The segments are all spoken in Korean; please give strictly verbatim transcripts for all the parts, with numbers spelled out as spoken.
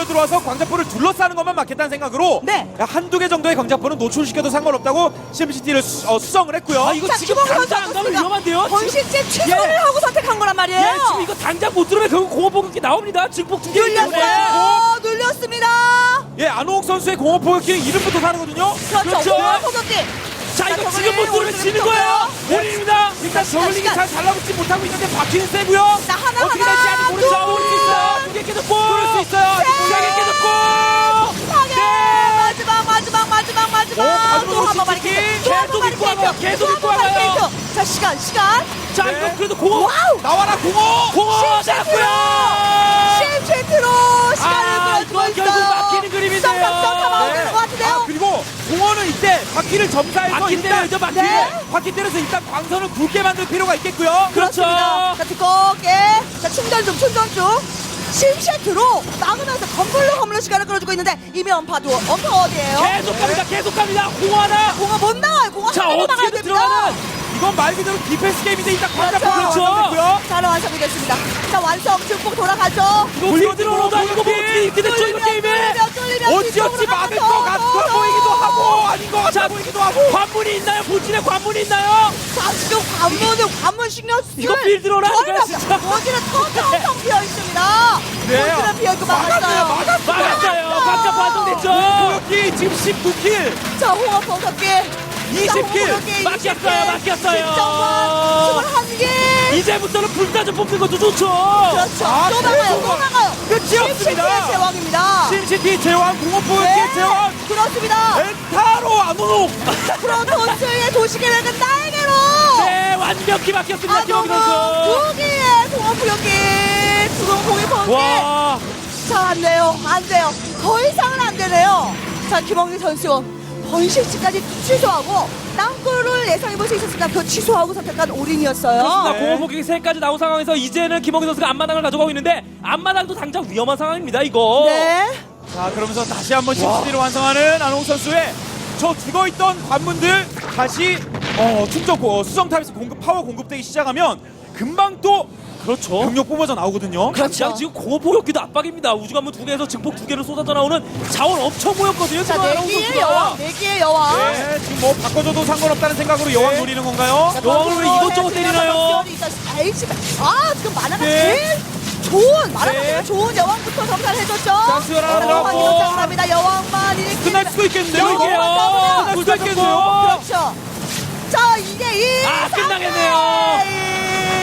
들어와서 광자포를 둘러싸는 것만 막겠다는 생각으로 네. 한두 개 정도의 광자포는 노출시켜도 상관없다고 심시티를 수, 어, 수성을 했고요. 아 이거 자, 지금 김홍근 당장 안 선수가 가면 위험한데요? 지금, 번식제 취소를 예. 하고 선택한 거란 말이에요. 예, 지금 이거 당장 못 들어오면 결국 공업폭격기 나옵니다. 증폭 두개 눌렸어요. 눌렸습니다. 예, 안호욱 선수의 공업 포격기는 이름부터 다르거든요. 그렇죠. 그렇죠. 공업 포격기. 자 이거 저글링 지금 못 들어오면 오른쪽에 지는 붙었고요. 거예요. 본인입니다. 일단 시간, 저글링이 시간. 잘 달라붙지 못하고 있는데 바퀴는 세고요. 자, 하나, 어떻게 하나, 될지 아직 모르죠. 둘, 모를 수 있어요. 두개 깨졌고. 그럴 수 있어요. 두개 깨졌고. 파괴. 마지막 마지막 마지막 마지막. 오, 가지고 또 한 번 놓은 바리케이트. 시티키. 또 한 번 계속 입고 와요. 바리케이트. 계속 또 한 입고 번 와요. 바리케이트. 자, 시간 시간. 자 네. 이거 그래도 공업 와우. 나와라 공업. 공업 잡고요. 실체트로 시간을 아, 끌어주고 이건 결국 있어요. 막히는 그림인데요. 썸썸썸 네. 나오는 것 같은데요. 아, 그리고 공원은 이때 바퀴를 점사해서 바퀴 일단 때려야죠, 바퀴. 네. 바퀴 때려서 일단 광선을 굵게 만들 필요가 있겠고요. 그렇습니다. 자, 두껍게. 자, 충전 중, 충전 중. 심시트로 막으면서 건물로 건물로 시간을 끌어주고 있는데 이미 엄파도 엄파 어디에요? 계속 갑니다. 계속 갑니다. 공 하나. 공화 못 나와요. 공화 자 하나로 나가야 어떻게든 됩니다. 들어가는. 이건 말 그대로 디펜스 게임인데 일단 광자 그렇죠. 포를 완성됐고요. 잘 완성이 됐습니다. 자, 완성 증폭 돌아가죠. 이거 어떻게 들어오다 이거 뭐 이렇게 됐죠 이거 게임에. 뚫리면 뚫리면 어찌어찌 막을 것 뒤쪽으로 같아 가면서 보이기도 하고 아닌 것 같아 자, 보이기도 하고. 관문이 있나요? 본진에 관문이 있나요? 자, 지금 관문은 관문 신경 쓰 이거 빌드로라니까요, 진짜. 어디는 텅텅텅 비어 있습니다. 네. 어디는 비어 있고 막았어요, 막았어요. 막았어요. 막았어요. 광자 완성됐죠. 포격기 지금 십구 킬. 자, 홍업 공격기. 이십 킬. 막혔어요, 막혔어요. 스물한 개. 이제부터는 불사조 뽑는 것도 좋죠. 그렇죠. 아, 또 나가요. 또 계속 나가요. 끝이 없습니다. 제왕입니다. 심시티 제왕 공업 포격기 네, 제왕 그렇습니다. 엔타로 안오노. 프로토스의 도시계획은 날개로. 네, 완벽히 막혔습니다. 김홍기 선수. 두 개의 공업 공격기. 두공 공이 번개. 와, 자, 안 돼요. 안 돼요. 더 이상은 안 되네요. 자, 김홍기 선수. 번식지까지 취소하고 땅굴을 예상해볼 수 있었습니다. 그 취소하고 선택한 올인이었어요. 그렇습니다. 네. 공업폭격이 세까지 나온 상황에서 이제는 김홍기 선수가 앞마당을 가져가고 있는데 앞마당도 당장 위험한 상황입니다. 이거. 네. 자 그러면서 다시 한번 심시티를 완성하는 안홍 선수의 저 죽어있던 관문들 다시 어, 충전 고- 어, 수정 탑에서 공급 파워 공급되기 시작하면 금방 또 그렇죠. 병력 뿜어져 나오거든요. 그렇죠. 지금 공업폭격기도 압박입니다. 우주관문 두 개에서 증폭 두 개를 쏟아져 나오는 자원 엄청 모였거든요. 자, 지금 네 안홍 개의 선수가. 여왕. 네 개의 여왕. 네, 지금 뭐 바꿔줘도 상관없다는 생각으로 여왕 노리는 건가요? 자, 여왕을 왜 이것저것 때리나요? 알지. 아, 지금 만화가 네. 제일 좋은, 만화가 네. 제일 좋은 여왕부터 점사해줬죠. 자, 수혈 하나 여왕만 들어가고. 이거 장난합니다. 여왕만 이렇게. 끝날 수도 있겠는데요. 여왕만 이게. 잡으면. 끝날 수도 있겠는데요. 그렇죠. 자, 이게 이. 아, 끝나겠네요.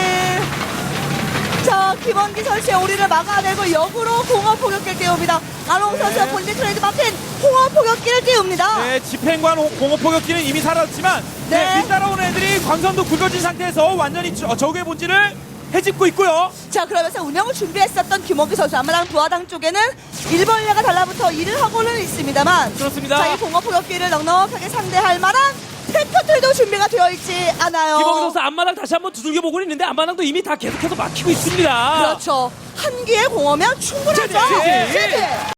자, 김원기 선수의 오리를 막아내고 역으로 공업 포격기를 띄웁니다. 안홍 네. 선수가 본진 트레이드 마틴 공업 포격기를 띄웁니다. 네, 집행관 호- 공업 포격기는 이미 사라졌지만 네. 네. 뒤따라오는 애들이 광선도 굵어진 상태에서 완전히 저- 적의 본질을 해집고 있고요. 자, 그러면서 운영을 준비했었던 김원기 선수 아마랑 부하당 쪽에는 일벌레가 달라붙어 일을 하고는 있습니다만 그렇습니다. 자, 이 공업 포격기를 넉넉하게 상대할 만한 팩토들도 준비가 되어 있지 않아요. 김홍기 선수 앞마당 다시 한번 두들겨 보고 있는데 앞마당도 이미 다 계속해서 막히고 있습니다. 그렇죠. 한 개의 공업이면 충분하죠. 제재, 제재. 제재.